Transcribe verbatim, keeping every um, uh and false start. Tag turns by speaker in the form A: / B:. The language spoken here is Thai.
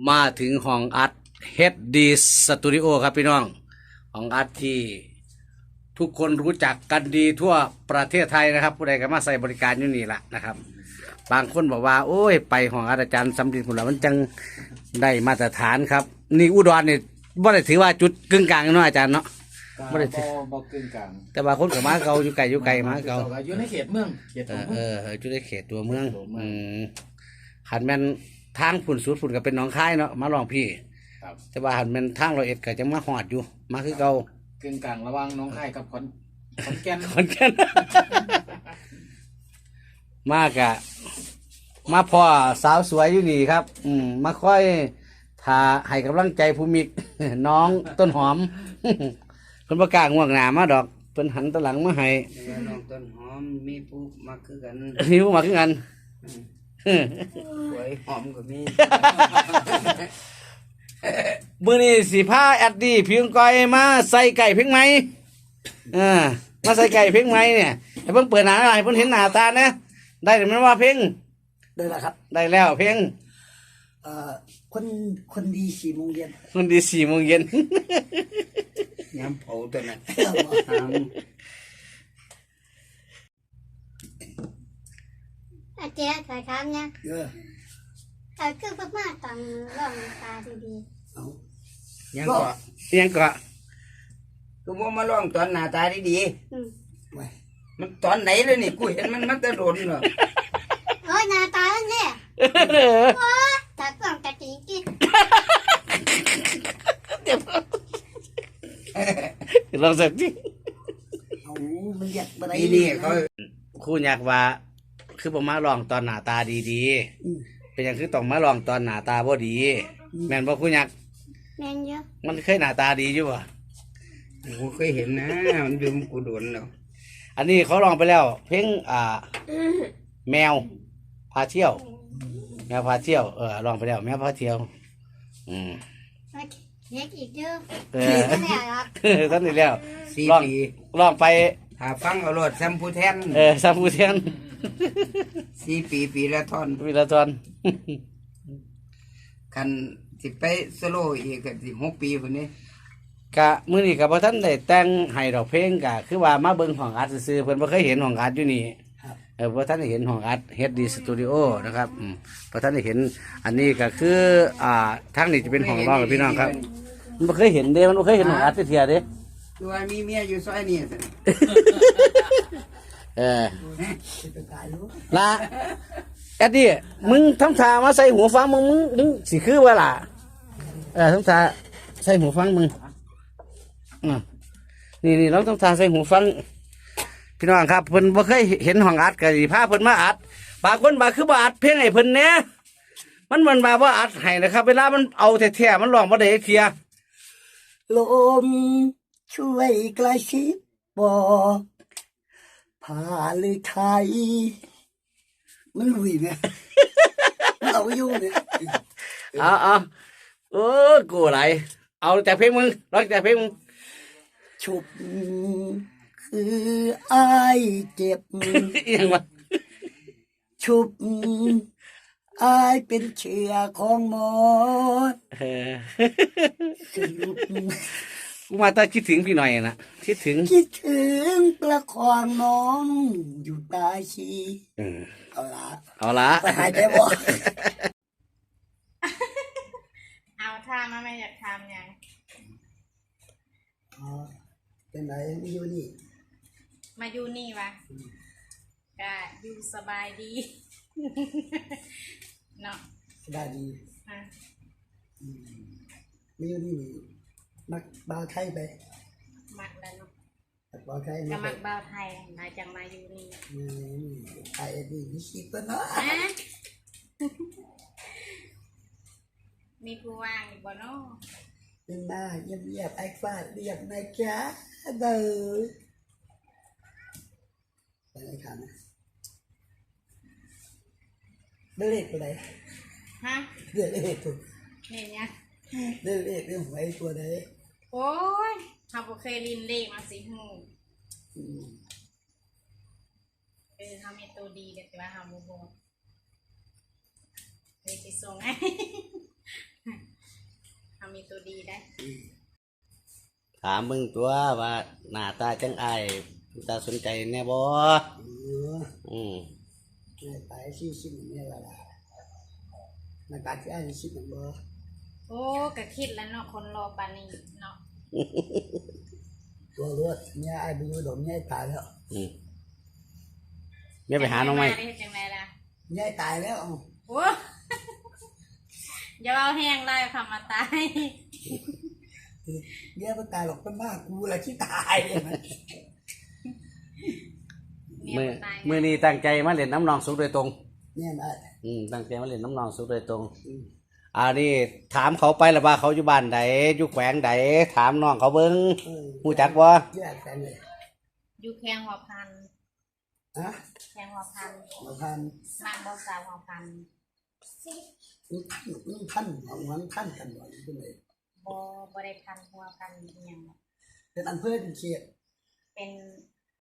A: มาถึงห้องอัด เอช ดี Studio ครับพี่น้องห้องอัดที่ทุกคนรู้จักกันดีทั่วประเทศไทยนะครับผู้ใดก็มาใส่บริการอยู่นี่แหละนะครับบางคนบอกว่าโอ้ยไปห้องอัดอาจารย์สำลินผุนละมันจังได้มาตรฐานครับนี่อุดรนี่บ่ได้ถือว่าจุดกึ่งกลางเนาะอาจารย์เนาะ
B: บ่ได้บ่บ่กึ่งกลาง
A: แต่บางคนก็มาเก่าอยู่ไกลอยู่ไกลมาเก่า
B: อยู่ในเขตเมืองเขตตัวเมือง
A: เอออยู่ในเขตตัวเมืองอืมหันแม่นทางฝุ่นสุดฝุ่นก็เป็นหนองคายเนาะมาลองพี่แต่ว่าหันแม่นทางร้อยเอ็ดก็จะมาหอดอยู่มาคือเก่าก
B: ึ่งกลางระหว่างหนองคายกับขอนขอนแก่น
A: ขอนแก่นมากะมาพ่อสาวสวยอยู่นี่ครับอืมมาค่อยทาให้กำลังใจภูมิกน้องต้นหอมเพิ่นประกล้าศง่วงหน้ามาดอกเพิ่นหันตะหลังมาให้
C: น้องต้นหอมมีผู้มาคือกัน
A: มีผู้มาคือกัน
C: สวยหอมก็มี
A: มื้อนี้สิพาแอดดี้เพียงก้อยมาใส่ไก่เพียงไหมเออมาใส่ไก่เพียงไหมเนี่ยให้เพิ่นเปิดหน้าให้เพิ่นเห็นหน้าตานะได้หรือมันว่าเพียง
C: ได้แล้วครับ
A: ได้แล้วเพียง
C: เอ่อคนคนดีสี่โมงเย็น
A: คนดีสี่โมงเย็น
C: ย้ำเผาตัวนั้น
D: อาเจ๊ขายครับเนี่ยเออแต่คือพม่าตังร่องตาดีๆเอา
C: ยังก็
A: ยังก็
C: กูว่ามาลองตอนหน้าตาดีๆมันตอนไหนเลยนี่กูเห็นมันมันจะโดนเหรอ
D: โอ้ยหน้าตาเนี่ยโอ้ตากล้องตาจริงจริง
A: เดี๋ยวลองสักที
C: เอามันอยากอะไรนี่เขา
A: คู่อยากว่าคือผมมาลองตอนหน้าตาดีๆเป็นอย่างคือต้องมาลองตอนหน้าตาบ่ดีแม่นบ่คู่อยาก
D: แม่นเยอะ
A: มันเคยหน้าตาดีอยู่ป่ะ
C: กูเคยเห็นนะมันยืมกูโดนแล้ว
A: อันนี้เขาลองไปแล้วเพลงอ่าแมวพาเที่ยวแมวพาเที่ยวเออลองไปแล้วแมวพาเที่ยวอืม
D: เล็กอีกเยอะ
A: เออท่านนี่แล้ว
C: สี่ปี
A: ลองไป
C: หาฟังเอารถแซมพูแทน
A: เออแซมพูแทน
C: สี่ปีปีละทอน
A: ปีละทอน
C: คันสิไปโซโลอีกก็สิหกปีคนนี้
A: กะมื้อนี้ก็บ่ทันได้แต่งให้ดอกเพลงกะคือว่ามาเบิ่งห้องอัดซื่อๆเพิ่นบ่เคยเห็นห้องอัดอยู่นี่เออบ่ทันได้เห็นห้องอัด เอช ดี Studio นะครับอืมบ่ทันได้เห็นอันนี้ก็คืออ่าทางนี้จะเป็นห้องร้องพี่น้องครับมันบ่เคยเห็นเด้มันบ่เคยเห็นห้องอัดเที่ยเด้
C: ตัวมีเมียอยู่ซอยนี้
A: เออละแอดดี้มึงทำท่ามาใส่หูฟังมึงมึงมึงสิคือว่าล่ะเออทำท่าใส่หูฟังมึงอ่านี่นี่เราต้องทาใส่หูฟังพี่น้องครับเพิ่นบ่เคยเห็นห้องอัดก็สิพาเพิ่นมาอัดบางคนบาคือบ่อัดเพลงให้เพิ่นแหน่มันมันบ่าว่าอัดให้นะครับเวลามันเอาแท้ๆมันร้องบ่ได้เทีย
C: ลมช่วยกระซิบบอกผ่าหรือไทยมันลุยเนี่ยเอาอยู่เนี่ย
A: เอาเอาโอ้กูไหลเอาแต่เพลงมึงร้องแต่เพลงมึง
C: ฉุบคือไอ้เจ็บ
A: ยังวะ
C: ฉุบไอ้เป็นเชื้อของหมด
A: กูมาตั้งคิดถึงพี่หน่อยนะคิดถึง
C: คิดถึงประคองน้องอยู่ตาชีเอาละ
A: เอาละ
C: ไปหายใจบ่
D: เอาท่ามาไม่อยากทำยัง
C: อ๋อเป็นไรมาอยู่นี่
D: มาอยู่นี่วะก็อยู่สบายดีเนาะ
C: สบายดีอ่ะมาอยู่นี่มักบ่าวไทยไป
D: มักแล้วเนาะ
C: บ่าวไทย
D: ก็มักบ่าวไทยมาจังมาอยู่นี่
C: อืมไอ้ดีมีชีพเนาะ
D: มีผู้ว่างอยู่บ่เนาะ
C: เป็นมาเยี่ยมเยี่ยมไอ้ฟ้าเรียกนายจ้าเด้อไปไหนครับเลือกตัวไหน
D: ฮะ
C: เลือกเลขตัว
D: เนี่ย
C: เลือกเลขเรื่องหวยตัวไหน
D: โอ้ยเขาบอกเคยลินเลขมาสิหูเออเขามีตัวดีแต่ว่าเขาโมโหเลยจะส่งให้
E: ดีได้
A: ถามมึงตัวว่าหน้าตาจังไอายตาสนใจแน่บ่
C: เออ
A: อืม
C: เนี่ยไปสี่สิบเนี่ยละล่ะมันการที่ไอ้สิบมันบ่
E: โอ้ก็คิดแล้วเนาะคนรอปานนี้เนาะ
C: ตัวรถเนี่ยไอ้ไปอยู่ดมเนี่ยตายแล้ว
A: อืมแม่ไปหาน้องไม้
E: ได้จังไดล่ะ
C: เนี่ยตายแล้ว
E: โอ้อย่าเอาแห้งได้คำมาตาย
C: เนี่ยมันตายหรอกเป็นบ้ากูแหละที่ตายเนี่ยมัน
A: มือมือนี้ตั้งใจมาเล่นน้ำนองสุกโดยตรง
C: เนี่ยนะ
A: อืมตั้งใจมาเล่นน้ำนองสุกโดยตรงอันนี้ถามเขาไปแล้วว่าเขาอยู่บ้านใดอยู่แขวงใดถามน้องเขาเบิ้ง
C: เออ
A: หูจักบ่
C: แยกกันเลย
E: อยู่แข้งหัวพัน
C: ฮะ
E: แข้งหัวพัน
C: มาพัน
E: นางบ่สาวหัวพัน
C: นี่ท่านนี่ท่านเอางั้นท่านกันหน่อยเป็นไง
E: บ่บ่ได้พันหัวพันอหยัง
C: เป็นอำเภอเป็นเขต
E: เป็น